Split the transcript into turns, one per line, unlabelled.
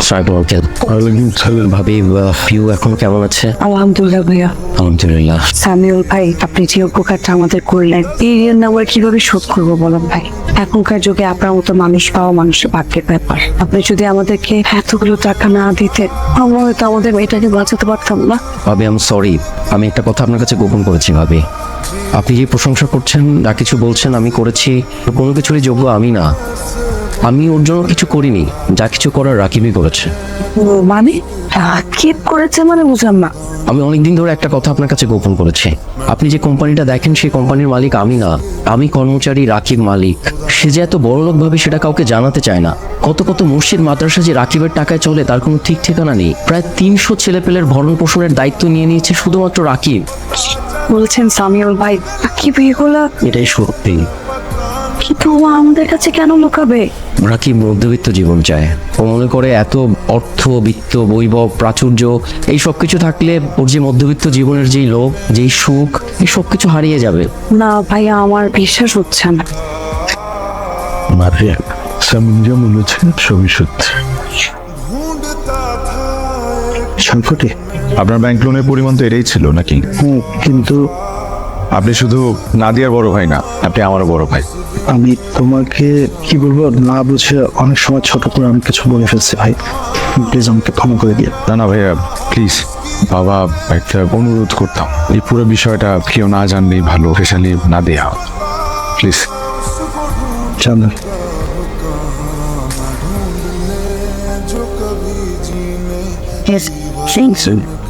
ভাবি পিউ এখন কেমন আছে?
আলহামদুলিল্লাহ ভাইয়া।
আলহামদুলিল্লাহ।
সামিউল ভাই, আপনি যে উপকারটা আমাদের করলেন, এই ঋণ আমরা কিভাবে শোধ করবো বলেন ভাই? এখনকার যুগে আপনার মতো মানুষ পাওয়া মানুষের ভাগ্যের ব্যাপার। আপনি যদি আমাদেরকে এতগুলো টাকা না দিতেন, আমরা হয়তো আমাদের মেয়েটাকে বাঁচাতে পারতাম না।
ভাবি আই এম সরি, আমি একটা কথা আপনার কাছে গোপন করেছি ভাবি। আপনি যে প্রশংসা করছেন, যা কিছু বলছেন আমি করেছি, কোনো কিছুরই যোগ্য আমি না। আমি ওর জন্য কিছু করিনি, যা কিছু করার রাকিবই করেছে।
মানে কি করেছে মানে বুঝলাম না।
আমি অনেকদিন ধরে একটা কথা আপনার কাছে গোপন করেছি। আপনি যে কোম্পানিটা দেখেন সেই কোম্পানির মালিক আমি না, আমি কর্মচারী, রাকিব মালিক। সে যে এত বড়লোক ভাবে সেটা কাউকে জানাতে চায় না। কত কত মসজিদ মাদ্রাসা যে রাকিবের টাকায় চলে তার কোনো ঠিক ঠিকানা নেই। প্রায় 300 ছেলেপেলের ভরণ পোষণের দায়িত্ব নিয়ে নিয়েছে শুধুমাত্র রাকিব।
বলছেন সামিউল ভাই কি এগুলা?
এটাই সত্যি।
কিন্তু ও আমাদের কাছে কেন লুকাবে?
রাকিব মধ্যবিত্ত জীবন চায়। ও মনে করে এত অর্থ, বিত্ত, বৈভব, প্রাচুর্য এই সব কিছু থাকলে ওর যে মধ্যবিত্ত জীবনের যেই লোভ, যেই সুখ, এই সব কিছু হারিয়ে যাবে।
না ভাইয়া, আমার বিশ্বাস হচ্ছে না।
মারিয়া, সামিন যা বলেছেন সবই সত্যি। সংকটে
আপনার ব্যাংক লোনের পরিমাণ তো এটাই ছিল নাকি?
কিন্তু
আপনি শুধু নাদিয়ার বড় ভাই না, আপনি আমারও বড় ভাই।
আমি তোমাকে কি বলবো না বুঝে অনেক সময় ছোট করে আমি কিছু বলে ফেলছি ভাই, প্লিজ আমাকে ক্ষমা করে দিয়ে।
না না ভাইয়া প্লিজ, বাবা একটা অনুরোধ করতাম, এই পুরো বিষয়টা কেউ না জানলেই ভালো, স্পেশালি নাদিয়া, প্লিজ।
জানো
Yes, thanks.